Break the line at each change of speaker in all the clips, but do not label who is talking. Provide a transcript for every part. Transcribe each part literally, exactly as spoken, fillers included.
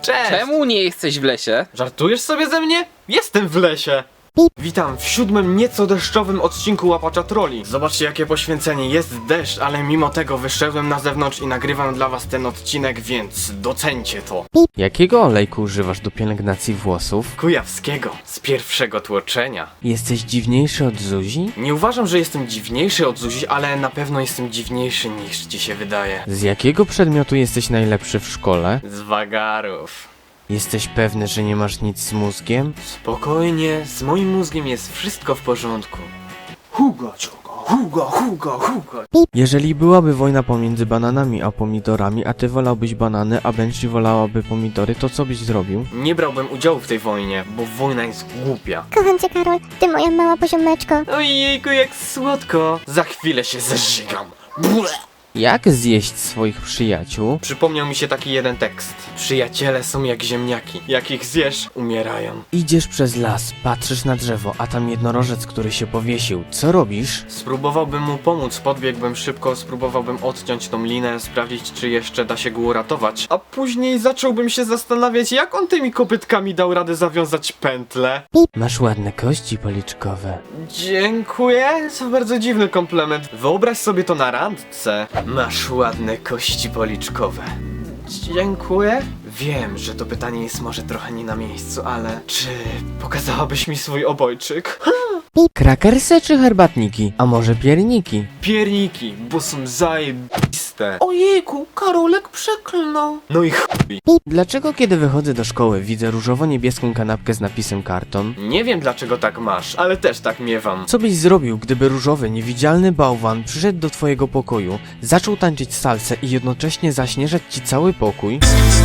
Cześć!
Czemu nie jesteś w lesie?
Żartujesz sobie ze mnie? Jestem w lesie! Witam w siódmym nieco deszczowym odcinku Łapacza Trolli. Zobaczcie jakie poświęcenie, jest deszcz, ale mimo tego wyszedłem na zewnątrz i nagrywam dla was ten odcinek, więc docencie to.
Jakiego olejku używasz do pielęgnacji włosów?
Kujawskiego, z pierwszego tłoczenia.
Jesteś dziwniejszy od Zuzi?
Nie uważam, że jestem dziwniejszy od Zuzi, ale na pewno jestem dziwniejszy niż ci się wydaje.
Z jakiego przedmiotu jesteś najlepszy w szkole?
Z wagarów.
Jesteś pewny, że nie masz nic z mózgiem?
Spokojnie, z moim mózgiem jest wszystko w porządku. Hugo, Hugo, Hugo, Hugo, Hugo.
Jeżeli byłaby wojna pomiędzy bananami a pomidorami, a ty wolałbyś banany, a Benji wolałaby pomidory, to co byś zrobił?
Nie brałbym udziału w tej wojnie, bo wojna jest głupia.
Kocham cię, Karol, ty moja mała poziomeczko.
Ojejku, jak słodko. Za chwilę się zeżygam. Ble.
Jak zjeść swoich przyjaciół?
Przypomniał mi się taki jeden tekst. Przyjaciele są jak ziemniaki. Jak ich zjesz, umierają.
Idziesz przez las, patrzysz na drzewo, a tam jednorożec, który się powiesił. Co robisz?
Spróbowałbym mu pomóc, podbiegłbym szybko, spróbowałbym odciąć tą linę, sprawdzić czy jeszcze da się go uratować. A później zacząłbym się zastanawiać, jak on tymi kopytkami dał radę zawiązać pętlę.
Masz ładne kości policzkowe.
Dziękuję, to bardzo dziwny komplement. Wyobraź sobie to na randce. Masz ładne kości policzkowe. Dziękuję. Wiem, że to pytanie jest może trochę nie na miejscu, ale czy pokazałabyś mi swój obojczyk?
Krakersy czy herbatniki? A może pierniki?
Pierniki, bo są zajebiste. Ojejku, Karolek przeklnął. No i chuj.
Dlaczego kiedy wychodzę do szkoły widzę różowo-niebieską kanapkę z napisem karton?
Nie wiem dlaczego tak masz, ale też tak miewam.
Co byś zrobił, gdyby różowy, niewidzialny bałwan przyszedł do twojego pokoju, zaczął tańczyć salsę i jednocześnie zaśnieżać ci cały pokój?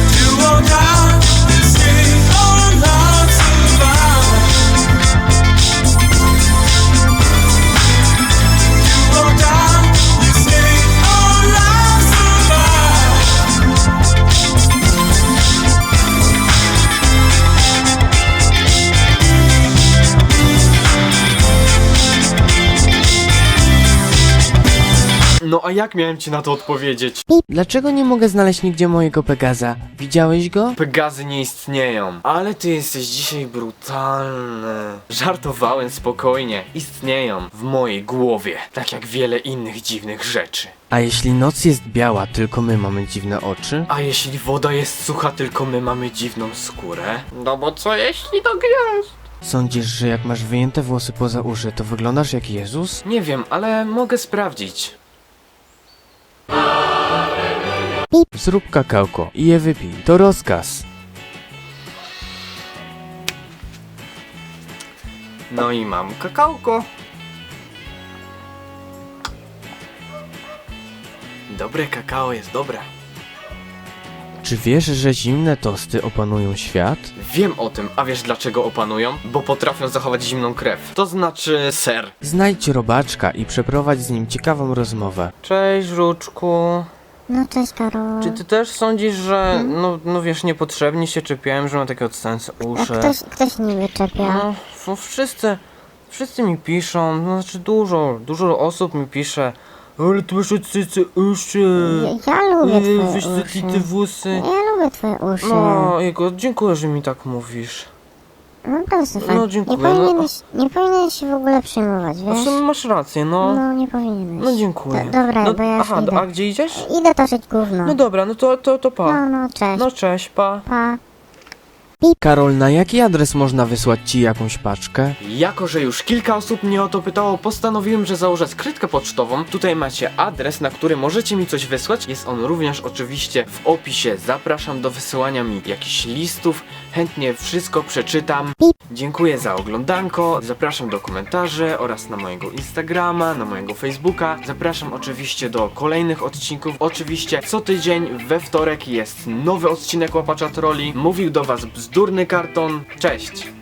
No a jak miałem ci na to odpowiedzieć?
Dlaczego nie mogę znaleźć nigdzie mojego Pegaza? Widziałeś go?
Pegazy nie istnieją. Ale ty jesteś dzisiaj brutalny. Żartowałem spokojnie. Istnieją w mojej głowie. Tak jak wiele innych dziwnych rzeczy.
A jeśli noc jest biała, tylko my mamy dziwne oczy?
A jeśli woda jest sucha, tylko my mamy dziwną skórę? No bo co jeśli to gwiazd?
Sądzisz, że jak masz wyjęte włosy poza uszy, to wyglądasz jak Jezus?
Nie wiem, ale mogę sprawdzić.
Zrób kakałko i je wypij. To rozkaz.
No i mam kakałko. Dobre kakao jest dobre.
Czy wiesz, że zimne tosty opanują świat?
Wiem o tym, a wiesz dlaczego opanują? Bo potrafią zachować zimną krew. To znaczy ser.
Znajdź robaczka i przeprowadź z nim ciekawą rozmowę.
Cześć, żuczku.
No cześć, Karol.
Czy ty też sądzisz, że no, no wiesz, niepotrzebnie się czepiałem, że mam takie odstające
A
uszy?
ktoś, ktoś niby czepia.
No, f- wszyscy, wszyscy mi piszą, no, znaczy dużo, dużo osób mi pisze. Ale ty masz odstające uszy.
Ja, ja lubię
Yy,
twoje
wyświetlite
uszy.
włosy.
Ja lubię twoje uszy.
No, jego, dziękuję, że mi tak mówisz.
No proszę,
no,
fajnie.
dziękuję,
Nie
no.
powinieneś, nie powinieneś się w ogóle przejmować,
A w
wiesz?
sumie masz rację, no.
No, nie powinieneś.
No dziękuję.
Do, dobra,
no,
bo ja już
aha,
idę.
a gdzie idziesz?
Idę toczyć gówno.
No dobra, no to, to, to pa.
No, no, cześć.
No cześć, pa.
Pa.
Karol, na jaki adres można wysłać ci jakąś paczkę?
Jako, że już kilka osób mnie o to pytało, postanowiłem, że założę skrytkę pocztową. Tutaj macie adres, na który możecie mi coś wysłać. Jest on również oczywiście w opisie. Zapraszam do wysyłania mi jakichś listów. Chętnie wszystko przeczytam. Dziękuję za oglądanko. Zapraszam do komentarzy oraz na mojego Instagrama, na mojego Facebooka. Zapraszam oczywiście do kolejnych odcinków. Oczywiście co tydzień we wtorek jest nowy odcinek Łapacza Trolli. Mówił do was Bzdurny Karton. Cześć!